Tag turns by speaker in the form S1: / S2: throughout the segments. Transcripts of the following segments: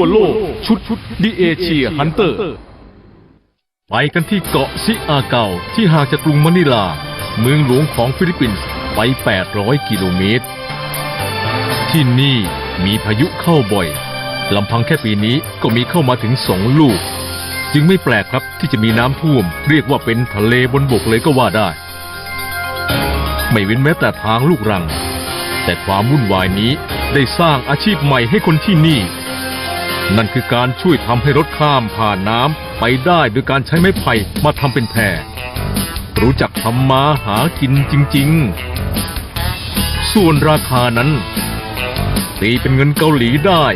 S1: โลกชุดดิเอเชียฮันเตอร์ไปกันที่เกาะซิอาเกาที่ห่างจากกรุงมะนิลาเมืองหลวงของฟิลิปปินส์ไป800กิโลเมตรที่นี่มีพายุเข้าบ่อยลำพังแค่ปีนี้ก็มีเข้ามาถึง2 ลูกจึงไม่แปลกครับที่จะมีน้ำท่วมเรียกว่าเป็นทะเลบนบกเลยก็ว่าได้ไม่เว้นแม้แต่ทางลูกรังแต่ความวุ่นวายนี้ได้สร้างอาชีพใหม่ให้คนที่นี่นั่นคือการช่วยทำให้รถข้ามผ่านน้ำไปได้โดยการใช้ไม้ไผ่มาทำเป็นแพรู้จักทำมาหากินจริงๆส่วนราคานั้นตีเป็นเงินเกาหลีได้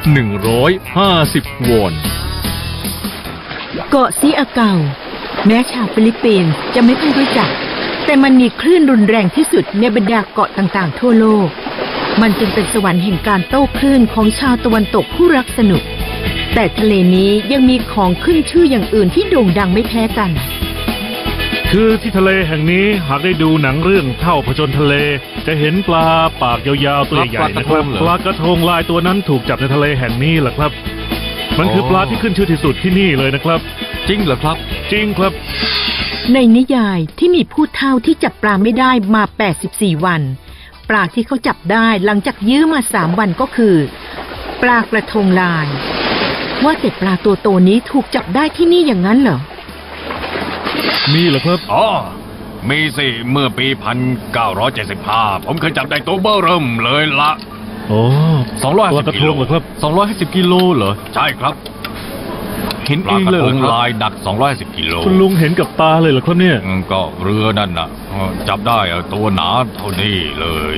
S1: 150 วอน
S2: เกาะซิอาเกาแม้ชาวฟิลิปปินส์จะไม่ค่อยรู้จักแต่มันมีคลื่นรุนแรงที่สุดในบรรดาเกาะต่างๆทั่วโลกมันจึงเป็นสวรรค์แห่งการโต้คลื่นของชาวตะวันตกผู้รักสนุกแต่ทะเลนี้ยังมีของขึ้นชื่ออย่างอื่นที่โด่งดังไม่แพ้กัน
S3: คือที่ทะเลแห่งนี้หากได้ดูหนังเรื่องเท่าผจญทะเลจะเห็นปลาปากยาวๆตัวใหญ่ๆนะครับปลากระทงลายตัวนั้นถูกจับในทะเลแห่งนี้แหละครับมันคือปลาที่ขึ้นชื่อที่สุดที่นี่เลยนะครับ
S1: จริงเหรอครับ
S3: จริงครับ
S2: ในนิยายที่มีผู้เฒ่าที่จับปลาไม่ได้มา84 วันปลาที่เขาจับได้หลังจากยื้อมา3 วันก็คือปลากระทงลายว่าแต่ปลาตัวโตนี้ถูกจับได้ที่นี่อย่างนั้นเหรอ
S3: มีเหรอครับ
S4: อ๋อมีสิเมื่อปี1975ผมเคยจับได้ตัวเบ้อเริ่มเลยละ
S3: โอ้250 กิโลเหรอครับ
S1: 250 กิโลเหรอ
S4: ใช่ครับ
S1: เห็นเองเลยครับ
S4: ลายหนัก250 กิโล
S3: คุณลุงเห็นกับตาเลยเหรอครับเนี่ย
S4: ก็เรือนั่นน่ะจับได้ตัวหนาเท่านี้เลย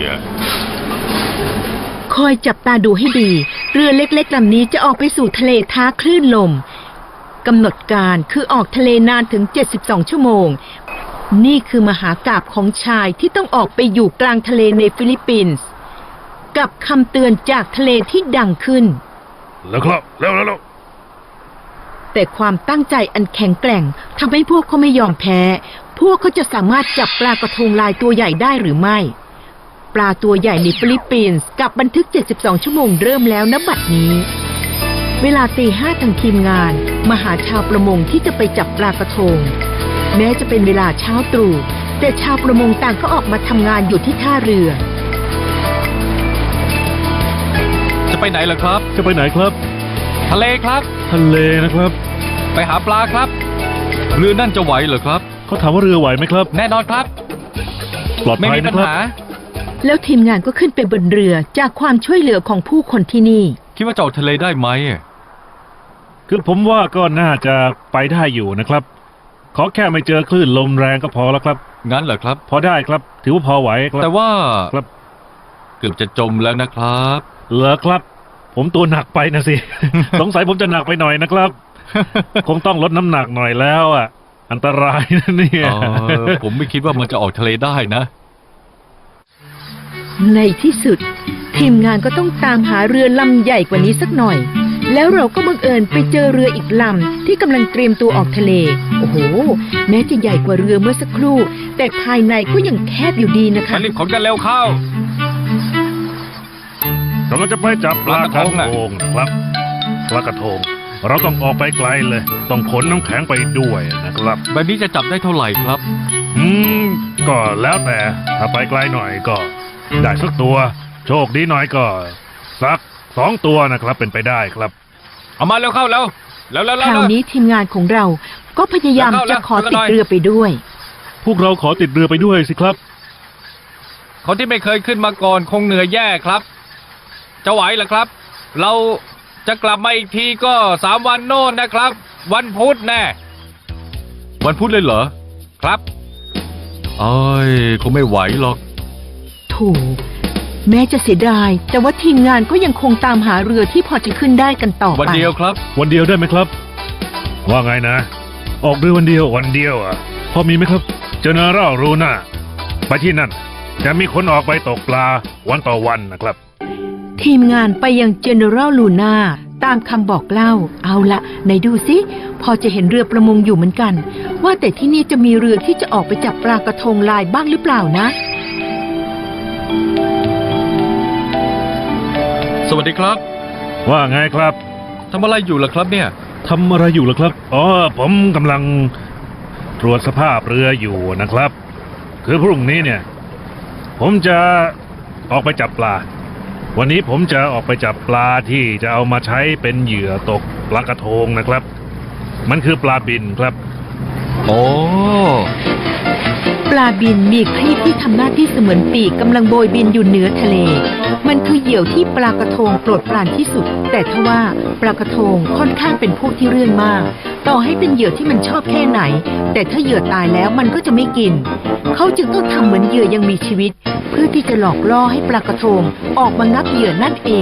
S2: คอยจับตาดูให้ดีเรือเล็กๆลำนี้จะออกไปสู่ทะเลท้าคลื่นลมกำหนดการคือออกทะเลนานถึง72 ชั่วโมงนี่คือมหากาพย์ของชายที่ต้องออกไปอยู่กลางทะเลในฟิลิปปินส์กับคำเตือนจากทะเลที่ดังขึ้น
S3: แล้วครับแล้ว
S2: แต่ความตั้งใจอันแข็งแกร่งทำให้พวกเขาไม่ยอมแพ้พวกเขาจะสามารถจับปลากระทงลายตัวใหญ่ได้หรือไม่ปลาตัวใหญ่ในฟิลิปปินส์กับบันทึก72 ชั่วโมงเริ่มแล้วณบัดนี้เวลาตี 5ทางทีมงานมาหาชาวประมงที่จะไปจับปลากระทงแม้จะเป็นเวลาเช้าตรู่แต่ชาวประมงต่างก็ออกมาทำงานอยู่ที่ท่าเรือ
S1: จะไปไหนล่ะครับ
S3: จะไปไหนครับ
S1: ทะเลครับ
S3: ทะเลนะครับ
S1: ไปหาปลาครับเรือนั่นจะไหวเหรอครับ
S3: เขาถามว่าเรือไหวไหมครับ
S1: แน่นอนครับ
S3: ปลอดภัยนะครับ
S2: แล้วทีมงานก็ขึ้นไปบนเรือจากความช่วยเหลือของผู้คนที่นี่
S1: คิดว่าจะออกทะเลได้ไหม
S3: คือผมว่าก็น่าจะไปได้อยู่นะครับขอแค่ไม่เจอคลื่นลมแรงก็พอแล้วครับ
S1: งั้นเหรอครับ
S3: พอได้ครับถือว่าพอไหวครับ
S1: แต่ว่า
S3: ครับ
S1: เกือบจะจมแล้วนะครับ
S3: เหรอครับผมตัวหนักไปนะสิ สงสัยผมจะหนักไปหน่อยนะครับ คงต้องลดน้ำหนักหน่อยแล้วอ่ะอันตรายนะเนี่ย
S1: ผมไม่คิดว่ามันจะออกทะเลได้นะ
S2: ในที่สุดทีมงานก็ต้องตามหาเรือลำใหญ่กว่านี้สักหน่อยแล้วเราก็บังเอิญไปเจอเรืออีกลำที่กำลังเตรียมตัวออกทะเลโอ้โหแม้จะใหญ่กว่าเรือเมื่อสักครู่แต่ภายในก็ยังแคบอยู่ดีนะคะ
S4: รีบขนกันเร็วเข้
S3: ากำลังจะไปจับปลากระทงครับปลากระทงเราต้องออกไปไกลเลยต้องขนน้ำแข็งไปด้วยนะครับ
S1: แบบนี้จะจับได้เท่าไหร่ครับ
S3: ก็แล้วแต่ถ้าไปไกลหน่อยก็ได้สักตัวโชคดีหน่อยก็สัก2 ตัวนะครับเป็นไปได้ครับ
S4: เอามาเร็วเข้าแล้ว
S2: คราวนี้ทีมงานของเราก็พยายามจะขอติดเรือไปด้วย
S3: พวกเราขอติดเรือไปด้วยสิครับ
S4: คนที่ไม่เคยขึ้นมาก่อนคงเหนื่อยแย่ครับจะไหวเหรอครับเราจะกลับมาอีกทีก็3 วันโน่นนะครับวันพุธแน่
S1: วันพุธเลยเหรอ
S4: ครับ
S1: คงไม่ไหวหรอก
S2: ถูกแม้จะเสียดายแต่ว่าทีมงานก็ยังคงตามหาเรือที่พอจะขึ้นได้กันต่อไป
S1: วันเดียวครับ
S3: วันเดียวได้ไหมครับว่าไงนะออกเรือวันเดียวพอมีไหมครับเจเนอรัลรูน่าไปที่นั่นจะมีคนออกไปตกปลาวันต่อวันนะครับ
S2: ทีมงานไปยัง General Luna ตามคำบอกเล่าเอาละไหนดูสิพอจะเห็นเรือประมงอยู่เหมือนกันว่าแต่ที่นี่จะมีเรือที่จะออกไปจับปลากระทงลายบ้างหรือเปล่านะ
S1: สวัสดีครับ
S3: ว่าไงครับ
S4: ทำอะไรอยู่ล่ะครับเนี่ย
S3: ทำอะไรอยู่ล่ะครับอ๋อผมกำลังตรวจสภาพเรืออยู่นะครับ คือพรุ่งนี้เนี่ย ผมจะออกไปจับปลา วันนี้ผมจะออกไปจับปลาที่จะเอามาใช้เป็นเหยื่อตกปลากระทงนะครับ มันคือปลาบินครับ
S4: โอ้
S2: ปลาบินมีครีบที่ทำหน้าที่เสมือนปีกกำลังโบยบินอยู่เหนือทะเล มันคือเหยี่ยวที่ปลากระทงโปรดปรานที่สุด แต่ทว่าปลากระทงค่อนข้างเป็นพวกที่เรื่องมาก ต่อให้เป็นเหยื่อที่มันชอบแค่ไหน แต่ถ้าเหยื่อตายแล้วมันก็จะไม่กิน เขาจึงต้องทำเหมือนเหยื่อยังมีชีวิต เพื่อที่จะหลอกล่อให้ปลากระทงออกมางับเหยื่อนั่นเอง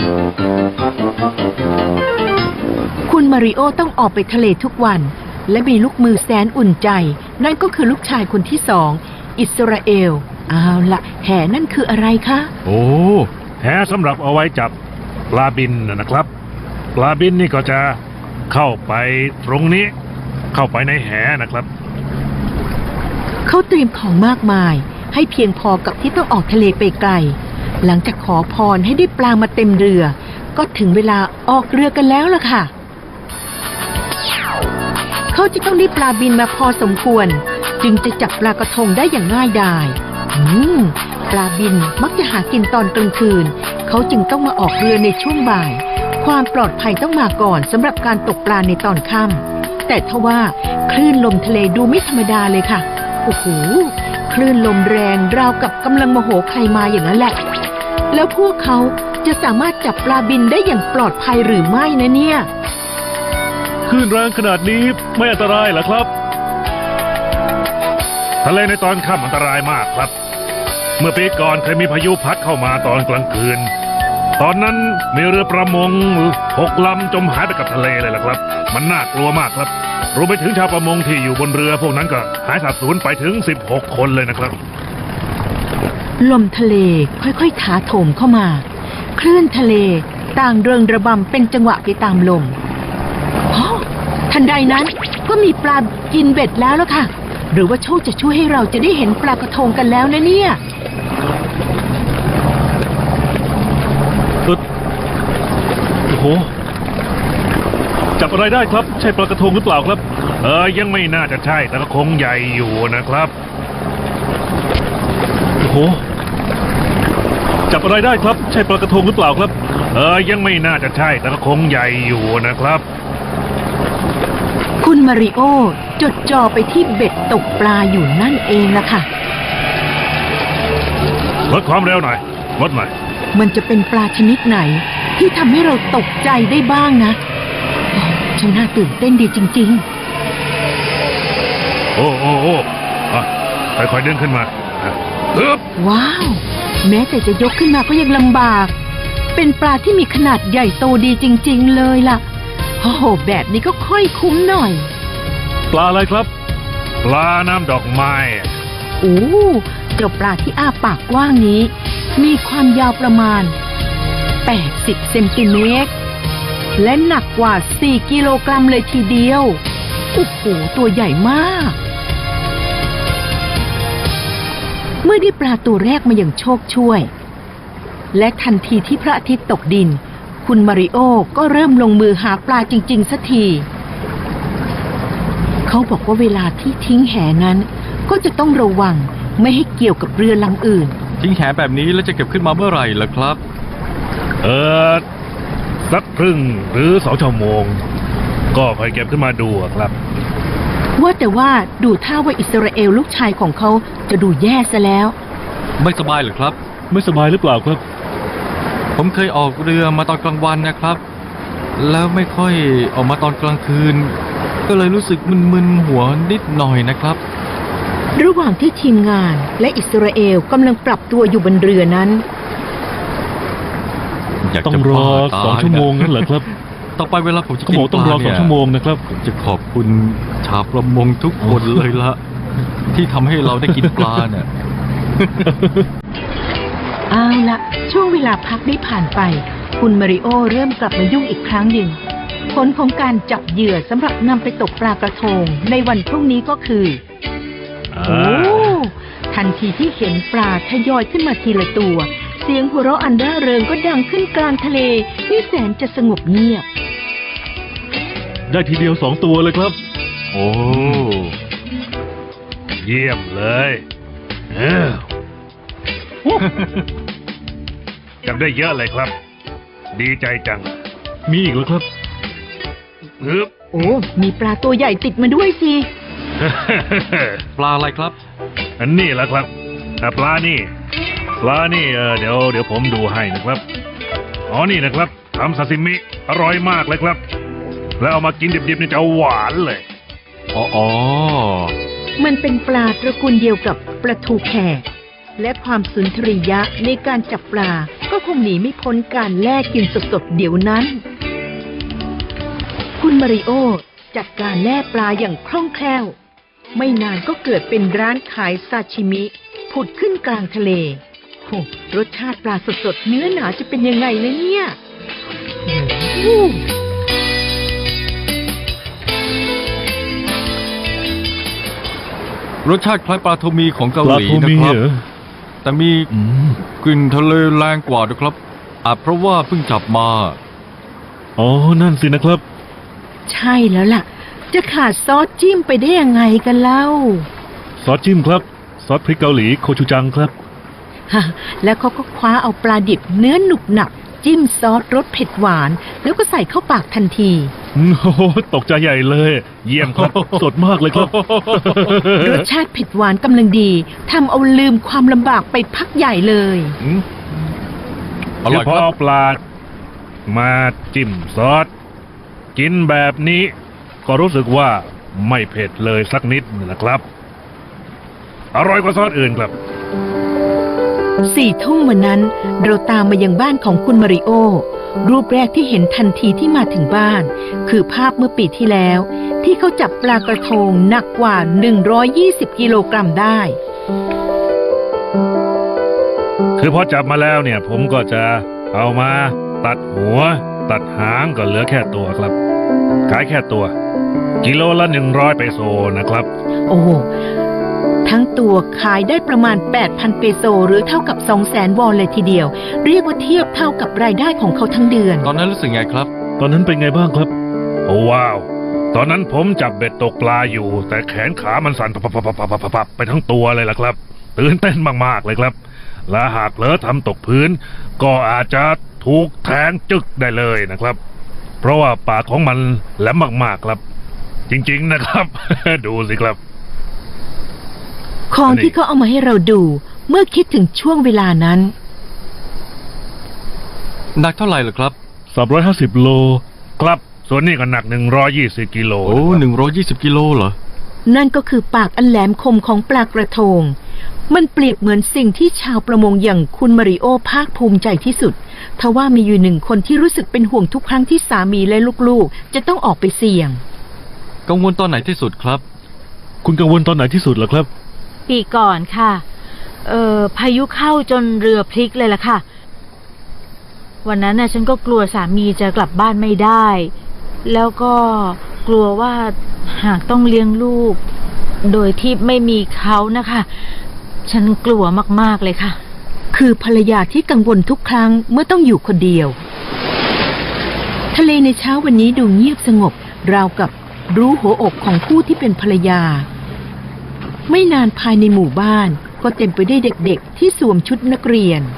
S2: คุณมาริโอต้องออกไปทะเลทุกวัน และมีลูกมือแสนอุ่นใจ นั่นก็คือลูกชายคนที่2 อิสราเอลเอาละแห่นั่นคืออะไรคะ
S1: โอ้
S3: แหสำหรับเอาไว้จับปลาบินนะครับ ปลาบินนี่ก็จะเข้าไปตรงนี้ เข้าไปในแหนะครับ
S2: เขาเตรียมของมากมาย ให้เพียงพอกับที่ต้องออกทะเลไปไกล หลังจากขอพรให้ได้ปลามาเต็มเรือ ก็ถึงเวลาออกเรือกันแล้วล่ะค่ะ เขาจะต้องได้ปลาบินมาพอสมควร จึงจะจับปลากระทงได้อย่างง่ายดายปลาบินมักจะหากินตอนกลางคืน เขาจึงต้องมาออกเรือในช่วงบ่าย ความปลอดภัยต้องมาก่อนสำหรับการตกปลาในตอนค่ำแต่ทว่าคลื่นลมทะเลดูไม่ธรรมดาเลยค่ะโอ้โหคลื่นลมแรงราวกับกำลังโมโหใครมาอย่างนั้นแหละแล้วพวกเขาจะสามารถจับปลาบินได้อย่างปลอดภัยหรือไม่นะเนี่ย
S3: คลื่นแรงขนาดนี้ไม่อันตรายเหรอครับ ทะเลในตอนค่ำอันตรายมากครับ เมื่อปีก่อนเคยมีพายุพัดเข้ามาตอนกลางคืน ตอนนั้นมีเรือประมง6 ลำจมหายไปกับทะเลเลยล่ะครับ มันน่ากลัวมากครับรวมไปถึงชาวประมงที่อยู่บนเรือพวกนั้นก็หายสาบสูญไปถึง16 คนเลยนะครับ
S2: ลมทะเลค่อยๆถาโถมเข้ามาคลื่นทะเลต่างเริงระบำเป็นจังหวะไปตามลมทันใดนั้นก็มีปลากินเบ็ดแล้วล่ะค่ะหรือว่าโชคจะช่วยให้เราจะได้เห็นปลากระทงกันแล้วนะเนี่ย
S3: โอ้โหจับอะไรได้ครับใช่ปลากระทงหรือเปล่าครับยังไม่น่าจะใช่แต่ก็คงใหญ่อยู่นะครับโอ้โหจับอะไรได้ครับใช่ปลากระทงหรือเปล่าครับยังไม่น่าจะใช่แต่ก็คงใหญ่อยู่นะครับ
S2: คุณมาริโอจดจ่อไปที่เบ็ดตกปลาอยู่นั่นเองล่ะค่ะ
S3: ลดความเร็วหน่อยลดหน่อย
S2: มันจะเป็นปลาชนิดไหนที่ทำให้เราตกใจได้บ้างนะช่างน่าตื่นเต้นดีจริง
S3: ๆโอ้ค่อยๆดึงขึ้นมา
S2: ว้าวแม้แต่จะยกขึ้นมาก็ยังลำบากเป็นปลาที่มีขนาดใหญ่โตดีจริงๆเลยล่ะโอ้โหแบบนี้ก็ค่อยคุ้มหน่อย
S3: ปลาอะไรครับปลาน้ำดอกไม้
S2: โอ้เจ้าปลาที่อ้าปากกว้างนี้มีความยาวประมาณ80 เซนติเมตรและหนักกว่า4 กิโลกรัมเลยทีเดียวโอ้โหตัวใหญ่มากเมื่อได้ปลาตัวแรกมาอย่างโชคช่วยและทันทีที่พระอาทิตย์ตกดินคุณมาริโอก็เริ่มลงมือหาปลาจริงๆสักทีเขาบอกว่าเวลาที่ทิ้งแหนั้นก็จะต้องระวังไม่ให้เกี่ยวกับเรือลำอื่น
S1: ทิ้งแหแบบนี้แล้วจะเก็บขึ้นมาเมื่อไหร่ล่ะครับ
S3: สักครึ่งหรือ2 ชั่วโมงก็ค่อยเก็บขึ้นมาดูครับ
S2: ว่าแต่ว่าดูท่าว่าอิสราเอลลูกชายของเขาจะดูแย่ซะแล้ว
S1: ไม่สบายหรือครับ
S3: ไม่สบายหรือเปล่าครับ
S1: ผมเคยออกเรือมาตอนกลางวันนะครับแล้วไม่ค่อยออกมาตอนกลางคืนก็เลยรู้สึกมึนๆหัวนิดหน่อยนะครับ
S2: ระหว่างที่ทีมงานและอิสราเอลกำลังปรับตัวอยู่บนเรือนั้น
S3: ต้องรอ2 ชั่วโมงนั่นเหรอครับ
S1: ต่อไปเวลาผมจะกินปลาเนี่ย
S3: ต้องรอ2 ชั่วโมงนะครับ
S1: ผมจะขอบคุณชาวประมงทุกคนเลยละที่ทำให้เราได้กินปลาเนี่ย
S2: เอาละช่วงเวลาพักได้ผ่านไปคุณมาริโอเริ่มกลับมายุ่งอีกครั้งหนึ่งผลของการจับเหยื่อสำหรับนำไปตกปลากระทงในวันพรุ่งนี้ก็คือทันทีที่เห็นปลาทยอยขึ้นมาทีละตัวเสียงหัวเราะอันร่าเริงก็ดังขึ้นกลางทะเลที่แสนจะสงบเงียบ
S3: ได้ทีเดียว2 ตัวเลยครับ
S1: โอ้
S3: เยี่ยมเลยจับได้เยอะเลยครับ ดีใจจัง มีอีกแล้วครับฮึบ
S2: โอ้ มีปลาตัวใหญ่ติดมาด้วยสิ
S1: ปลาอะไรครับ
S3: อันนี้แหละครับปลานี่เดี๋ยวผมดูให้นะครับอ๋อนี่นะครับทำซาซิมิอร่อยมากเลยครับ แล้วเอามากินดิบๆนี่จะหวานเลย
S1: อ๋อ
S2: มันเป็นปลาตระกูลเดียวกับปลาทูแขกและความสุนทรียะในการจับปลาก็คงหนีไม่พ้นการแล่กินสดๆเดี๋ยวนั้น คุณมาริโอจัดการแล่ปลาอย่างคล่องแคล่ว ไม่นานก็เกิดเป็นร้านขายซาชิมิผุดขึ้นกลางทะเลโหรสชาติปลาสดๆเนื้อหนาจะเป็นยังไงนะเนี่ยโอ้
S1: รสชาติคล้ายปลาโทมีของเกาหลีนะครับ แต่มีกลิ่นทะเลแรงกว่านะครับอาจเพราะว่าเพิ่งจับมา
S3: อ๋อ นั่นสินะครับ
S2: ใช่แล้วล่ะ จะขาดซอสจิ้มไปได้ยังไงกันเล่า
S3: ซอสจิ้มครับ ซอสพริกเกาหลีโคชูจังครับ
S2: ฮะแล้วเขาก็คว้าเอาปลาดิบเนื้อหนุบหนับจิ้มซอสรสเผ็ดหวาน แล้วก็ใส่เข้าปากทันที
S3: โอ้โหตกใจใหญ่เลย เยี่ยมครับ สดมากเลยครับ
S2: รสชาติเผ็ดหวานกำลังดีทำเอาลืมความลำบากไปพักใหญ่เลย
S1: อร่อย
S3: พ
S1: ค
S3: อ
S1: รับ
S3: เอาปลามาจิ้มซอสกินแบบนี้ ก็รู้สึกว่าไม่เผ็ดเลยสักนิดนะครับ อร่อยกว่าซอสอื่นครับ
S2: 4 ทุ่มวันนั้นเราตามมายังบ้านของคุณมาริโอ รูปแรกที่เห็นทันทีที่มาถึงบ้าน คือภาพเมื่อปีที่แล้ว ที่เขาจับปลากระทงหนักกว่า 120 กิโลกรัมได้
S3: คือพอจับมาแล้วเนี่ยผมก็จะเอามาตัดหัว ตัดหางก็เหลือแค่ตัวครับ ขายแค่ตัว กิโลละ100 เปโซนะครับ
S2: โอ้โหทั้งตัวขายได้ประมาณ 8,000 เปโซหรือเท่ากับ 200,000 วอนเลยทีเดียว เรียกว่าเทียบเท่ากับรายได้ของเขาทั้งเดือน
S1: ตอนนั้นรู้สึกไงครับ
S3: ตอนนั้นเป็นไงบ้างครับ โอ้ว้าว ตอนนั้นผมจับเบ็ดตกปลาอยู่ แต่แขนขามันสั่นปับๆๆๆๆไปทั้งตัวเลยล่ะครับตื่นเต้นมากๆเลยครับ และหากเผลอทำตกพื้น ก็อาจจะถูกแทงจึกได้เลยนะครับ เพราะว่าปากของมันแหลมมากๆครับ จริงๆนะครับ ดูสิครับ
S2: ของที่เขาเอามาให้เราดูเมื่อคิดถึงช่วงเวลานั้น
S1: หนักเท่าไหร่เหรอครับ
S3: 350 โลครับ ส่วนนี้ก็หนัก120 กิโล
S1: โอ้ 120 กิโลเหรอ
S2: นั่นก็คือปากอันแหลมคมของปลากระทง มันเปรียบเหมือนสิ่งที่ชาวประมงอย่างคุณมาริโอภาคภูมิใจที่สุดทว่ามีอยู่1 คนที่รู้สึกเป็นห่วงทุกครั้งที่สามีและลูกๆจะต้องออกไปเสี่ยง
S1: กังวลตอนไหนที่สุดครับ
S3: คุณกังวลตอนไหนที่สุดเหรอครับ
S5: ปีก่อนค่ะ พายุเข้าจนเรือพลิกเลยล่ะค่ะ วันนั้นน่ะฉันก็กลัวสามีจะกลับบ้านไม่ได้ แล้วก็กลัวว่าหากต้องเลี้ยงลูก โดยที่ไม่มีเขานะคะ ฉันกลัวมากๆเลยค่ะ
S2: คือภรรยาที่กังวลทุกครั้งเมื่อต้องอยู่คนเดียว ทะเลในเช้าวันนี้ดูเงียบสงบราวกับรู้หัวอกของผู้ที่เป็นภรรยา ไม่นานภายในหมู่บ้านก็เต็มไปด้วยเด็กๆที่สวมชุดนักเรียน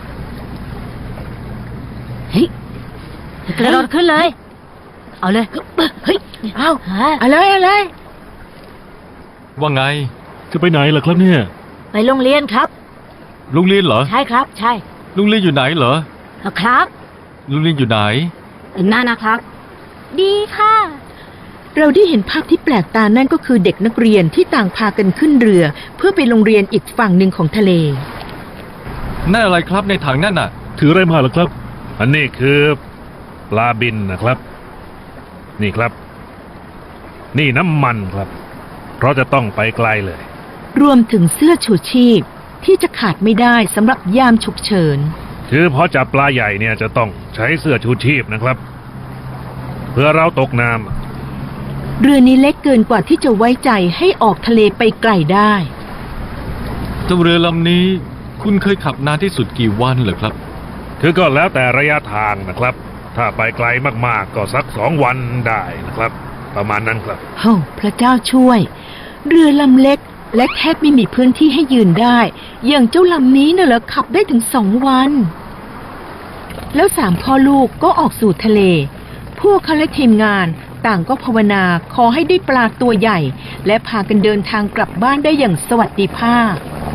S2: เฮ้ย
S5: กระโดดขึ้นเลย เอาเลย
S2: เฮ้ย เอา
S5: ฮะ
S2: อะไรอะไร
S1: ว่าไง
S3: จะไปไหนล่ะครับเนี่ย
S5: ไปโรงเรียนครับ
S1: ลุงเรียนเหรอ
S5: ใช่ครับ ใช่
S1: ลุงเรียนอยู่ไหนเหรอ
S5: ครับ
S1: ลุงเรียนอยู่ไหน
S5: นั่นนะครับ ดีค่ะ
S2: เราได้เห็นภาพที่แปลกตานั่นก็คือเด็กนักเรียนที่ต่างพากันขึ้นเรือ เพื่อไปโรงเรียนอีกฝั่งหนึ่งของทะเล
S1: นั่นอะไรครับในถังนั่นน่ะ
S3: ถืออะไรมาเหรอครับ อันนี้คือปลาบินนะครับ นี่ครับ นี่น้ำมันครับ เพราะจะต้องไปไกลเลย
S2: รวมถึงเสื้อชูชีพที่จะขาดไม่ได้สำหรับยามฉุกเฉิน
S3: คือพอจับปลาใหญ่เนี่ยจะต้องใช้เสื้อชูชีพนะครับ เพื่อเราตกน้ำ
S2: เรือนี้เล็กเกินกว่าที่จะไว้ใจให้ออกทะเลไปไกลได้
S1: เจ้าเรือลำนี้ คุณเคยขับนานที่สุดกี่วันเหรอครับ
S3: คือก็แล้วแต่ระยะทางนะครับถ้าไปไกลมากๆก็สัก2 วันได้นะครับ ประมาณนั้นครับ
S2: โอ้พระเจ้าช่วย เรือลำเล็กและแทบไม่มีพื้นที่ให้ยืนได้ อย่างเจ้าลำนี้น่ะเหรอขับได้ถึง2 วัน แล้ว3 พ่อลูกก็ออกสู่ทะเล พวกเขาและทีมงานต่างก็ภาวนาขอให้ได้ปลาตัวใหญ่ และพากันเดินทางกลับบ้านได้อย่างสวัสดิภาพ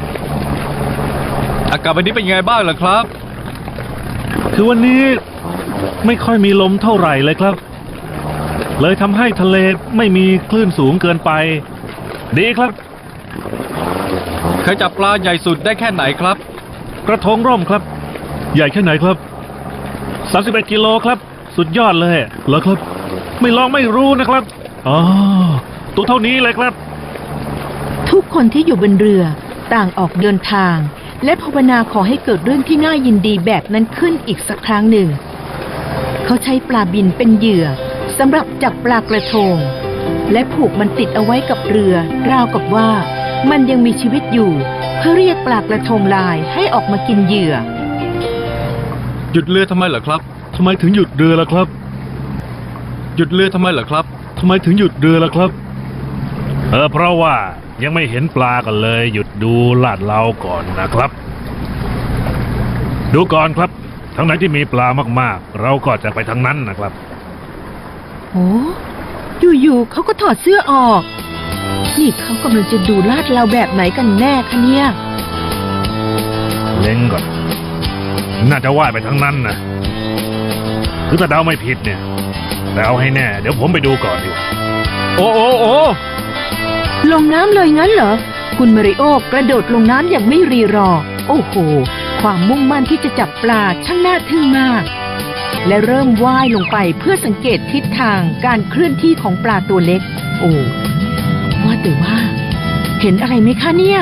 S4: อากาศวันนี้เป็นยังไงบ้างล่ะครับ
S3: คือวันนี้ไม่ค่อยมีลมเท่าไหร่เลยครับ เลยทำให้ทะเลไม่มีคลื่นสูงเกินไป ดีครับ
S4: เคยจับปลาใหญ่สุดได้แค่ไหนครับ
S3: กระทงร่มครับ ใหญ่แค่ไหนครับ31 กิโลครับ สุดยอดเลยเหรอครับ ไม่ลองไม่รู้นะครับอ๋อตัวเท่านี้เลยครับ
S2: ทุกคนที่อยู่บนเรือต่างออกเดินทาง และภาวนาขอให้เกิดเรื่องที่น่ายินดีแบบนั้นขึ้นอีกสักครั้งหนึ่ง เขาใช้ปลาบินเป็นเหยื่อสำหรับจับปลากระทง และผูกมันติดเอาไว้กับเรือราวกับว่ามันยังมีชีวิตอยู่ เพื่อเรียกปลากระทงลายให้ออกมากินเหยื่อ
S4: หยุดเรือทำไมเหรอครับ
S3: ทำไมถึงหยุดเรือล่ะครับ
S4: หยุดเรือทำไมเหรอครับ
S3: ทำไมถึงหยุดเรือล่ะครับ เพราะว่ายังไม่เห็นปลากันเลย หยุดดูลาดเราก่อนนะครับ ดูก่อนครับทางไหนที่มีปลามากๆ เราก็จะไปทางนั้นนะครับ
S2: โอ้อยู่ๆเขาก็ถอดเสื้อออก นี่เขากำลังจะดูลาดเราแบบไหนกันแน่คะเนี่ย
S3: เล็งก่อน น่าจะว่ายไปทางนั้นนะคือถ้าเดาไม่ผิดเนี่ยแต่เอาให้แน่ เดี๋ยวผมไปดูก่อนดีกว่า
S4: โอ้โอ้โอ้
S2: ลงน้ำเลยงั้นเหรอ คุณมาริโอกระโดดลงน้ำอย่างไม่รีรอ โอ้โห ความมุ่งมั่นที่จะจับปลาช่างน่าทึ่งมาก และเริ่มว่ายลงไปเพื่อสังเกตทิศทางการเคลื่อนที่ของปลาตัวเล็ก โอ้ว่าแต่ว่า เห็นอะไรไหมคะเนี่ย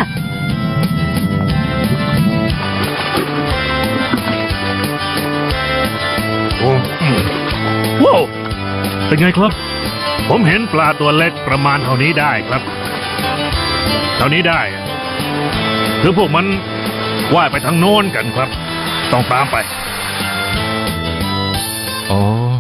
S3: ว้าวเป็นไงครับ ผมเห็นปลาตัวเล็กประมาณเท่านี้ได้ครับ เท่านี้ได้คือพวกมันว่ายไปทางโน้นกันครับ ต้องตามไป
S4: อ๋อ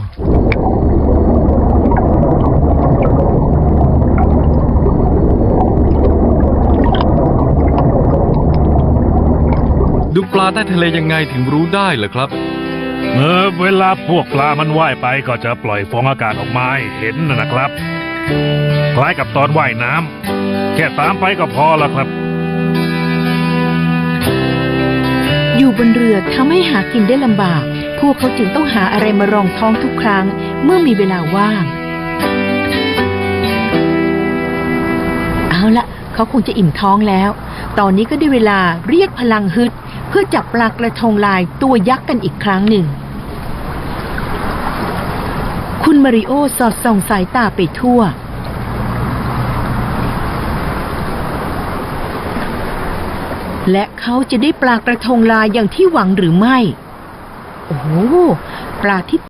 S4: ดูปลาใต้ทะเลยังไงถึงรู้ได้เหรอครับ
S3: เวลาพวกปลามันว่ายไปก็จะปล่อยฟองอากาศออกมาให้เห็นนะครับ คล้ายกับตอนว่ายน้ำแค่ตามไปก็พอแล้วครับ
S2: อยู่บนเรือทำให้หากินได้ลำบาก พวกเขาจึงต้องหาอะไรมารองท้องทุกครั้งเมื่อมีเวลาว่าง เอาละเขาคงจะอิ่มท้องแล้ว ตอนนี้ก็ได้เวลาเรียกพลังฮึดเพื่อจับปลากระทงลายตัวยักษ์กันอีกครั้งหนึ่ง คุณมาริโอสอดส่องสายตาไปทั่ว และเขาจะได้ปลากระทงลายอย่างที่หวังหรือไม่ โอ้โห ปลาที่